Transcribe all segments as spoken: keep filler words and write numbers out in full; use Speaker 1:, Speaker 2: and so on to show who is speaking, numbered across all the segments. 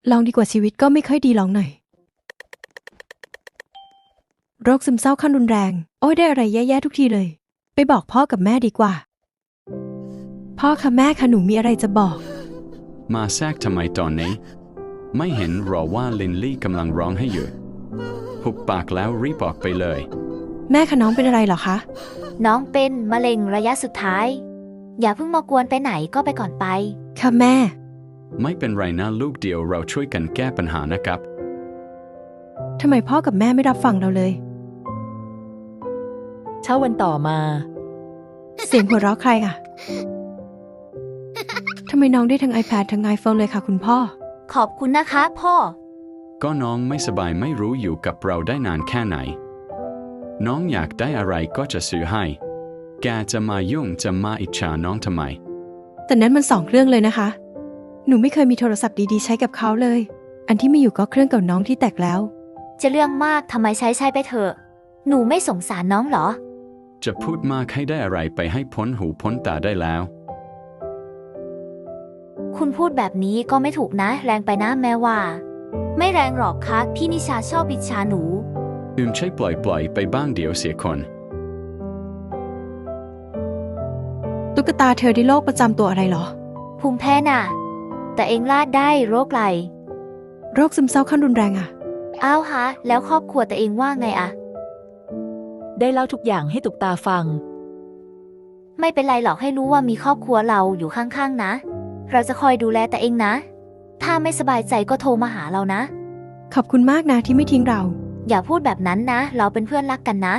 Speaker 1: ลองดีกว่าชีวิตก็ไม่ค่อยดีลองหน่อยโรคซึมเศร้าขั้นรุนแรงโอ้ยได้อะไรแย่ๆทุกทีเลยไปบอกพ่อกับแม่ดีกว่าพ่อค่ะแม่ค่ะหนูมีอะไรจะบอก
Speaker 2: มาแทรกทำไมตอนนี้ไม่เห็นหรอว่าลินลี่กำลังร้องให้อยู่หุบปากแล้วรีบออกไปเลย
Speaker 1: แม่คะน้องเป็นอะไรเหรอคะ
Speaker 3: น้องเป็นมะเร็งระยะสุดท้ายอย่าเพิ่งมากวนไปไหนก็ไปก่อนไป
Speaker 1: ค่ะแม่
Speaker 2: ไม่เป็นไรนะลูกเดียวเราช่วยกันแก้ปัญหานะครับ
Speaker 1: ทำไมพ่อกับแม่ไม่รับฟังเราเลย
Speaker 4: เช้าวันต่อมา
Speaker 1: เสียงหัวเราะใครอ่ะทำไมน้องได้ทั้ง iPad ทั้ง iPhone เลยค่ะคุณพ่อ
Speaker 3: ขอบคุณนะคะพ่อ
Speaker 2: ก็น้องไม่สบายไม่รู้อยู่กับเราได้นานแค่ไหนน้องอยากได้อะไรก็จะซื้อให้แกจะมายุ่งจะมาอิจฉาน้องทำไม
Speaker 1: แต่นั้นมันสองเครื่องเลยนะคะหนูไม่เคยมีโทรศัพท์ดีๆใช้กับเขาเลยอันที่มีอยู่ก็เครื่องเก่าน้องที่แตกแล้ว
Speaker 3: จะเรื่องมากทำไมใช้ใช้ไปเถอะหนูไม่สงสารน้องเหรอ
Speaker 2: จะพูดมากให้ได้อะไรไปให้พ้นหูพ้นตาได้แล้ว
Speaker 3: คุณพูดแบบนี้ก็ไม่ถูกนะแรงไปนะแม่ว่าไม่แรงหรอกคะพี่นิชาชอบอิจฉาหนู
Speaker 2: อืมใช่ปล่อยปล่อยไปบ้างเดี๋ยวเสียคน
Speaker 1: ตุ๊กตาเธอได้โรคประจำตัวอะไรหรอ
Speaker 3: ภูมิแพ้น่ะแต่เองลาดได้โรคไร
Speaker 1: โรคซึมเศร้าขั้นรุนแรงอะ
Speaker 3: อ้าวฮะแล้วครอบครัวตัวเองว่าไงอะ
Speaker 4: ได้เล่าทุกอย่างให้ตุกตาฟัง
Speaker 3: ไม่เป็นไรหรอกให้รู้ว่ามีครอบครัวเราอยู่ข้างๆนะเราจะคอยดูแลแต่เองนะถ้าไม่สบายใจก็โทรมาหาเรานะ
Speaker 1: ขอบคุณมากนะที่ไม่ทิ้งเรา
Speaker 3: อย่าพูดแบบนั้นนะเราเป็นเพื่อนรักกันนะ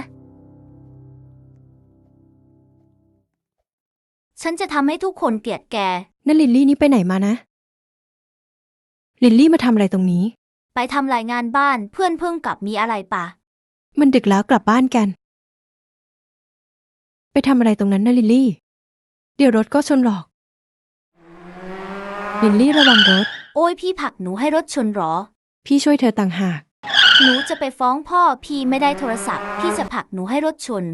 Speaker 3: ฉันจะทำให้ทุกคนเกลียดแก
Speaker 1: นั่นลิลลี่นี่ไปไหนมานะลิลลี่มาทำอะไรตรงนี้
Speaker 3: ไปทำรายงานบ้านเพื่อนเพิ่งกลับมีอะไรปะ
Speaker 1: มันดึกแล้วกลับบ้านกันไปทำอะไรตรงนั้นนะลิลลี่เดี๋ยวรถก็ชนหรอกลิลลี่ระวังรถ
Speaker 3: โอ้ยพี่ผลักหนูให้รถชนหรอ
Speaker 1: พี่ช่วยเธอต่างหาก
Speaker 3: หนูจะไปฟ้องพ่อพี่ไม่ได้โทรศัพท์พี่จะผลักหนูให้รถชน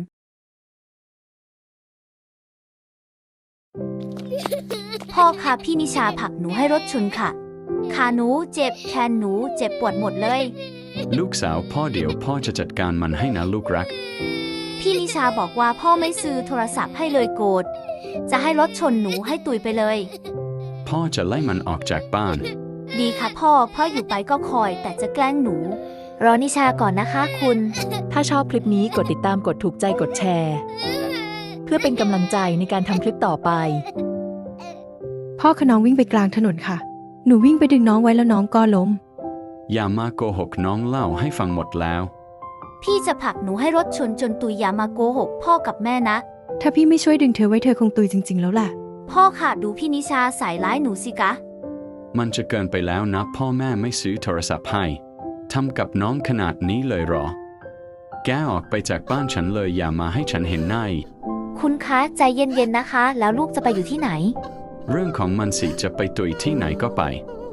Speaker 3: พ่อคะพี่นิชาผลักหนูให้รถชนค่ะขาหนูเจ็บแขนหนูเจ็บปวดหมดเลย
Speaker 2: ลูกสาวพ่อเดี๋ยวพ่อจะจัดการมันให้นะลูกรัก
Speaker 3: พี่นิชาบอกว่าพ่อไม่ซื้อโทรศัพท์ให้เลยโกรธจะให้รถชนหนูให้ตุยไปเลย
Speaker 2: พ่อจะไล่มันออกจากบ้าน
Speaker 3: ดีค่ะพ่อพ่ออยู่ไปก็คอยแต่จะแกล้งหนูรอนิชาก่อนนะคะคุณ
Speaker 4: ถ้าชอบคลิปนี้กดติดตามกดถูกใจกดแชร์เพื่อเป็นกำลังใจในการทำคลิปต่อไป
Speaker 1: พ่อขน้องวิ่งไปกลางถนนค่ะหนูวิ่งไปดึงน้องไว้แล้วน้องก็ล้ม
Speaker 2: อย่ามาโกหกน้องเล่าให้ฟังหมดแล้ว
Speaker 3: พี่จะผลักหนูให้รถชนจนตุยอย่ามาโกหกพ่อกับแม่นะ
Speaker 1: ถ้าพี่ไม่ช่วยดึงเธอไว้เธอคงตุยจริงๆแล้วแหละ
Speaker 3: พ่อค่ะดูพี่นิชาใส่ร้ายหนูสิกะ
Speaker 2: มันจะเกินไปแล้วนะพ่อแม่ไม่ซื้อโทรศัพท์ให้ทำกับน้องขนาดนี้เลยหรอแกออกไปจากบ้านฉันเลยอย่ามาให้ฉันเห็นหน้า
Speaker 3: คุณคะใจเย็นๆนะคะแล้วลูกจะไปอยู่ที่ไหน
Speaker 2: เรื่องของมันสิจะไปตุยที่ไหนก็ไป